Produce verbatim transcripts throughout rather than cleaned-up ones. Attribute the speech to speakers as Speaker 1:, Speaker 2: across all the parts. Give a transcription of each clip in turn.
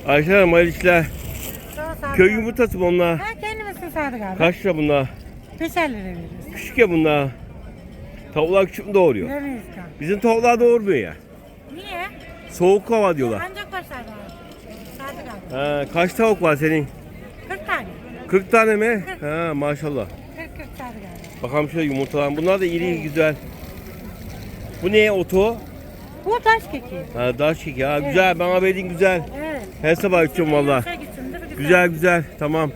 Speaker 1: Ayşe Hanım hayırlı işler.
Speaker 2: Sağ ol, sağ ol.
Speaker 1: Köy yumurtası mı onlar?
Speaker 2: Ha, kendimizin Sadık abi.
Speaker 1: Kaç lira bunlar?
Speaker 2: Beşer lira veririz.
Speaker 1: Küçük ya bunlar. Tavuklar küçük mü doğuruyor?
Speaker 2: Veremeyiz kan.
Speaker 1: Bizim tavuklar doğurmuyor ya.
Speaker 2: Niye?
Speaker 1: Soğuk hava diyorlar.
Speaker 2: Ancak var Sadık abi. Sadık abi.
Speaker 1: Ha, kaç tavuk var senin?
Speaker 2: kırk tane.
Speaker 1: kırk tane mi? Ha, maşallah.
Speaker 2: kırk kırk Sadık abi.
Speaker 1: Bakalım şöyle yumurtalar. Bunlar da iri güzel. Bu ne oto?
Speaker 2: Bu taş keki.
Speaker 1: Ha, daş keki. Ha, güzel. Bana verdiğin güzel.
Speaker 2: Evet.
Speaker 1: Her sabah içiyorum valla.
Speaker 2: Yumuşak içindir, güzel.
Speaker 1: Güzel güzel. Tamam.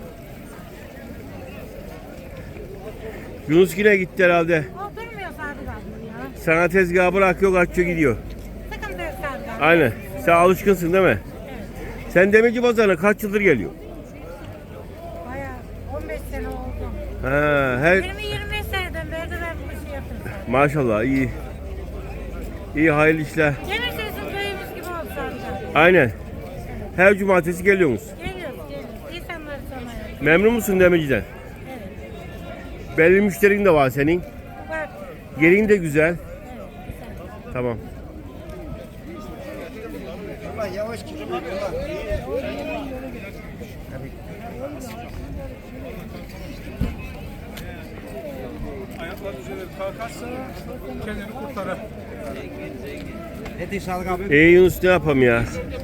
Speaker 1: Yunus yine gitti herhalde.
Speaker 2: O durmuyor Sadık abi ya.
Speaker 1: Sana tezgahı bırakıyor, açıyor gidiyor.
Speaker 2: Sıkıntı yok Sadık abi.
Speaker 1: Aynen. Sen alışkınsın değil mi?
Speaker 2: Evet.
Speaker 1: Sen demirci pazarına kaç yıldır geliyor?
Speaker 2: Bayağı on beş sene oldu.
Speaker 1: Ha, her
Speaker 2: yirmi yirmi beş seneden beri de ben bu işi yapıyorum Sadık.
Speaker 1: maşallah iyi. İyi hayırlı işler.
Speaker 2: Demir sözün köyümüz gibi oldu Sadık abi.
Speaker 1: Aynen. Her cumartesi geliyorsunuz.
Speaker 2: Geliyoruz geliyoruz. İnsanları tanıyoruz.
Speaker 1: Memnun musun demirciden?
Speaker 2: Evet.
Speaker 1: Belli müşterin de var senin.
Speaker 2: Var.
Speaker 1: Yerin de güzel.
Speaker 2: Evet. Güzel.
Speaker 1: Tamam.
Speaker 3: Yavaş gidiyor.
Speaker 4: Ayaklar düzelir kalkarsa kendini kurtarır.
Speaker 3: Ne diyor Sadık abi?
Speaker 1: İyi Yunus ne yapalım ya?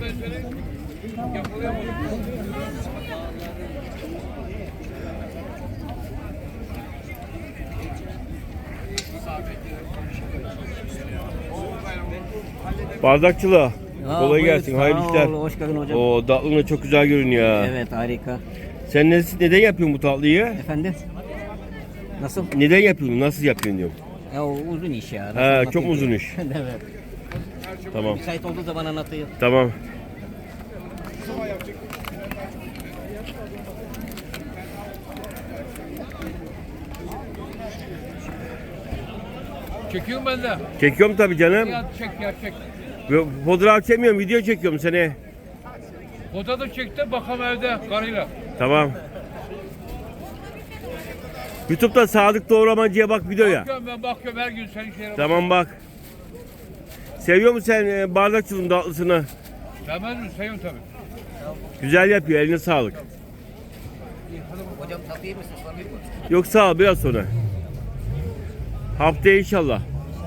Speaker 1: Bardakçılığa.
Speaker 5: Ya,
Speaker 1: Kolay
Speaker 5: buyur,
Speaker 1: gelsin.
Speaker 5: sağ
Speaker 1: Hayırlı işler.
Speaker 5: ol, hoş geldin hocam.
Speaker 1: O tatlın çok güzel görünüyor. ha.
Speaker 5: Evet, harika.
Speaker 1: Sen ne, neden yapıyorsun bu tatlıyı?
Speaker 5: Efendim? Nasıl?
Speaker 1: Neden yapıyorsun? Nasıl yapıyorsun diyorum.
Speaker 5: Ya o uzun iş ya. Nasıl
Speaker 1: Ha,
Speaker 5: anlatayım
Speaker 1: çok
Speaker 5: ki?
Speaker 1: uzun iş.
Speaker 5: Evet.
Speaker 1: Tamam.
Speaker 5: Müsait olduğu zaman anlatayım.
Speaker 1: Tamam.
Speaker 4: Çekiyorum ben de.
Speaker 1: Çekiyorum tabii canım.
Speaker 4: Ya çek ya çek.
Speaker 1: Fotoğraf çekmiyorum, video çekiyorum seni.
Speaker 4: Foto da çekti bakalım evde karıyla.
Speaker 1: Tamam. YouTube'da Sadık Doğramacı'ya bak videoya.
Speaker 4: Bakıyorum ben bakıyorum her gün senin şeylere.
Speaker 1: Tamam bak. Seviyor musun sen e, bardakçılığın tatlısını?
Speaker 4: Sevmez mi? Seviyorum tabii.
Speaker 1: Güzel yapıyor, eline sağlık.
Speaker 5: Hocam tatlı iyi misin? Sorayım mı?
Speaker 1: Yok sağ ol, biraz sonra. Haftaya inşallah.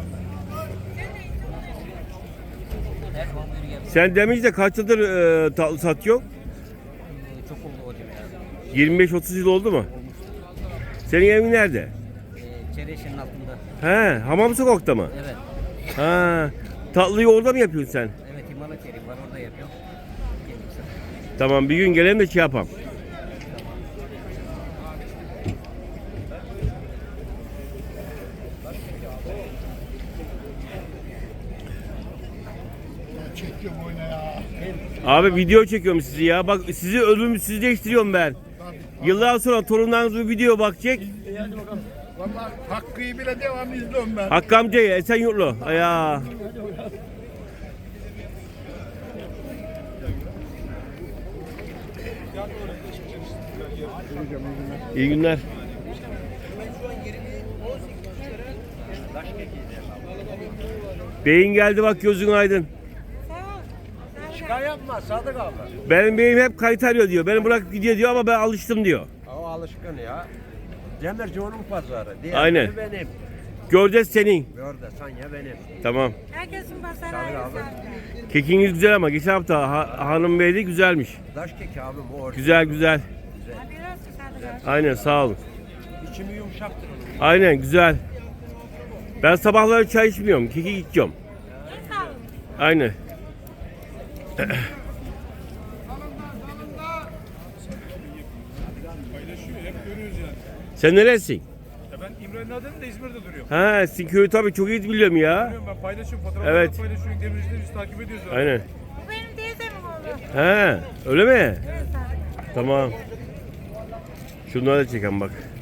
Speaker 5: Her zaman buyur gel.
Speaker 1: Sen demiş de kaç yıldır e, tatlı satıyor?
Speaker 5: Ee, Çok oldu hocam ya.
Speaker 1: yirmi beş otuz yıl oldu mu? Senin evin nerede?
Speaker 5: Ee, Çevreşenin altında.
Speaker 1: He, Hamam Sokak'ta mı?
Speaker 5: Evet.
Speaker 1: Ha, tatlıyı orada mı yapıyorsun sen?
Speaker 5: Evet, İmalat yerim var, orada yapıyorum. Gelirse.
Speaker 1: Tamam, bir gün gelelim de şey yapalım.
Speaker 3: Çekiyorum oyuna ya.
Speaker 1: Abi video çekiyorum sizi ya. Bak sizi ölümsüzleştiriyorum ben. Yıllar sonra torunlarınız bu video bakacak.
Speaker 3: Hadi bakalım. Vallahi Hakkı'yı bile devam izliyorum ben.
Speaker 1: Hakkı amcayı Esenyurtlu. Ya. İyi günler. Beyin geldi bak gözün aydın.
Speaker 3: Şikayet yapma Sadık abi.
Speaker 1: Benim beyim hep kayıt arıyor diyor. Beni bırakıp gidiyor diyor ama ben alıştım diyor.
Speaker 3: O alışkın ya. Demirci onun pazarı. Diğerleri
Speaker 1: Aynen.
Speaker 3: benim.
Speaker 1: Göreceğiz senin.
Speaker 3: Orada Sanya benim.
Speaker 1: Tamam.
Speaker 2: Herkesin pazarı
Speaker 3: Sadık
Speaker 2: ayrı
Speaker 3: abi.
Speaker 2: Sadık abi.
Speaker 1: Kekiniz güzel ama geçen hafta ha- hanım beydi güzelmiş.
Speaker 3: Daş keki abi bu orada.
Speaker 1: Güzel güzel.
Speaker 2: Hadi biraz Sadık abi.
Speaker 1: Aynen sağ olun.
Speaker 3: İçimi yumuşaktır onun.
Speaker 1: Aynen güzel. Ben sabahları çay içmiyorum. Keki içiyorum.
Speaker 2: En sağ olun.
Speaker 1: Aynen.
Speaker 4: Paylaşıyor hep görüyoruz yani.
Speaker 1: Sen neresin?
Speaker 4: Ya ben İmre'nin adını da İzmir'de duruyor.
Speaker 1: Ha, sizin köyü tabii çok iyi biliyorum ya.
Speaker 4: Biliyorum ben paylaşıyorum fotoğrafları
Speaker 1: Evet.
Speaker 4: paylaşıyorum. Demircileri biz takip ediyoruz. zaten.
Speaker 1: Aynen.
Speaker 2: Bu benim teyzemin oğlu.
Speaker 1: Ha, öyle mi?
Speaker 2: Evet Sadık abi.
Speaker 1: Tamam. Şunları da çeken bak.